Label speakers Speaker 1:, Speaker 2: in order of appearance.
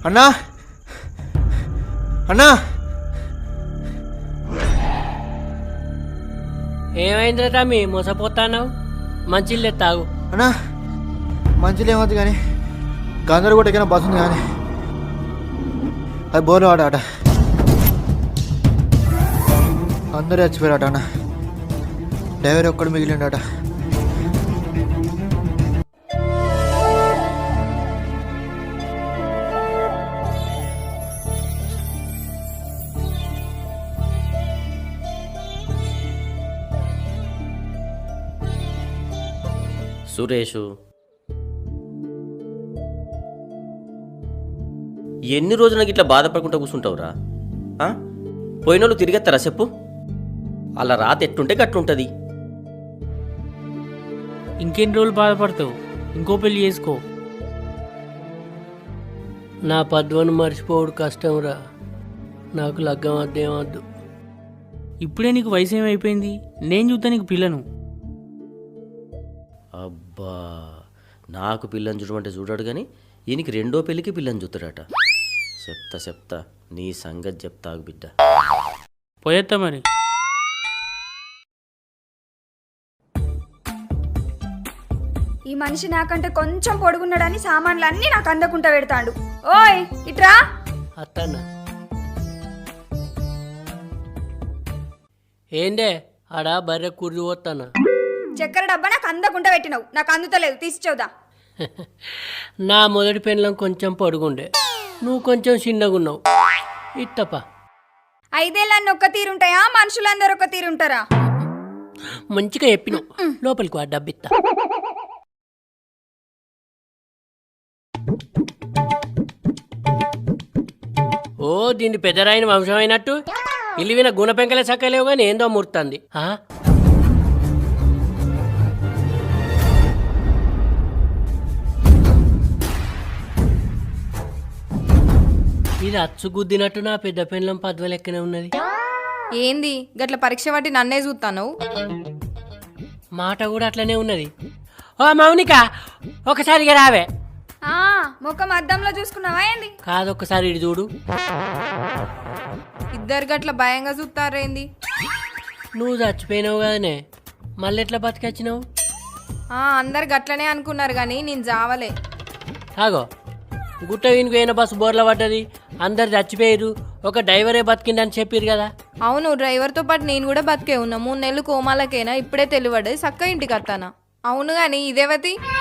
Speaker 1: అన్నా అన్నా
Speaker 2: ఏమైందిరా తమ్మి మోసపోతాను మంచిల్లే తాగు.
Speaker 1: అన్నా మంచిలో ఏమవుతుంది కానీ గందరు కూడా ఎక్కిన బస్సు ఉంది కానీ అది బోర్లు ఆట అందరూ చచ్చిపోయారట అన్న. డ్రైవర్ ఒక్కడు మిగిలిండట.
Speaker 3: సురేషు, ఎన్ని రోజులు నాకు ఇట్లా బాధపడకుండా కూర్చుంటావురా? పోయినోళ్ళు తిరిగేస్తారా చెప్పు? అలా రాత ఎట్టుంటే గట్టుంటుంది.
Speaker 2: ఇంకెన్ని రోజులు బాధపడతావు? ఇంకో పెళ్లి చేసుకో. నా పద్వను మర్చిపోవడు కష్టంరా. నాకు లగ్గం వద్దేమద్దు.
Speaker 4: ఇప్పుడే నీకు వయసు ఏమైపోయింది? నేను చూద్దా నీకు పిల్లను.
Speaker 3: అబ్బా, నాకు పిల్లని చూడమంటే చూడాడు కానీ ఈయనకి రెండో పెళ్ళికి పిల్లని చూస్తాడట. చెప్తా నీ సంగతి చెప్తాగు బిడ్డ.
Speaker 4: పోయేత్తా మరి.
Speaker 5: ఈ మనిషి నాకంటే కొంచెం పొడుగున్నాడని సామాన్లు అన్నీ నాకు అందకుండా పెడతాడు. ఓయ్ ఇట్రా.
Speaker 2: అత్తన్నా ఏందే ఆడ బర్రె కుర్రి పోతానా?
Speaker 5: చక్కెర డబ్బా నాకు అందకుండా పెట్టినావు. నాకు అందుతలేదు, తీసి చూదా.
Speaker 2: నా మొదటి పెళ్ళం కొంచెం పొడుగుండే, నువ్వు కొంచెం చిన్నగున్నావు. ఇత్తప
Speaker 5: 5 ఏళ్ళన్నీ ఒక్క తీరుంటాయా? మనుషులందరూ ఒక్క తీరుంటారా?
Speaker 2: మంచిగా చెప్పినావు. లోపలికి ఆ డబ్బిత్తా. ఓ దీన్ని పెద్దరాయిన వంశమైనట్టు ఇల్లువిన గుణ పెంకలే చక్కలేవు కానీ ఏందో ముర్తుంది. ఇది అచ్చుగుద్దినట్టు నా పెద్ద పెళ్ళం పద్వ లెక్కనే ఉన్నది.
Speaker 6: ఏంది గట్ల పరీక్ష పట్టి నన్నే చూస్తాను?
Speaker 2: మాట కూడా అట్లనే ఉన్నది. ఓ మౌనిక, ఒకసారిగా రావే.
Speaker 5: ముఖం అద్దంలో చూసుకున్నావా ఏంది?
Speaker 2: కాదు, ఒక్కసారి ఇటు చూడు.
Speaker 6: ఇద్దరు గట్ల భయంగా చూస్తారేంది?
Speaker 2: నువ్వు చచ్చిపోయినావు కదనే, మళ్ళీ ఎట్లా బతికొచ్చినావు?
Speaker 6: అందరు గట్లనే అనుకున్నారు కానీ నేను జావలే.
Speaker 2: ఆగో, గుట్ట వీనికి పోయిన బస్సు బోర్ల పడ్డది, అందరు చచ్చిపోయారు, ఒక డ్రైవరే బతికిందని చెప్పారు కదా.
Speaker 6: అవును, డ్రైవర్తో పాటు నేను కూడా బతికే ఉన్నా. 3 నెలలు కోమాలకైనా ఇప్పుడే తెలివడ్డది. చక్క ఇంటికి వస్తానా? అవును గాని ఇదేవతి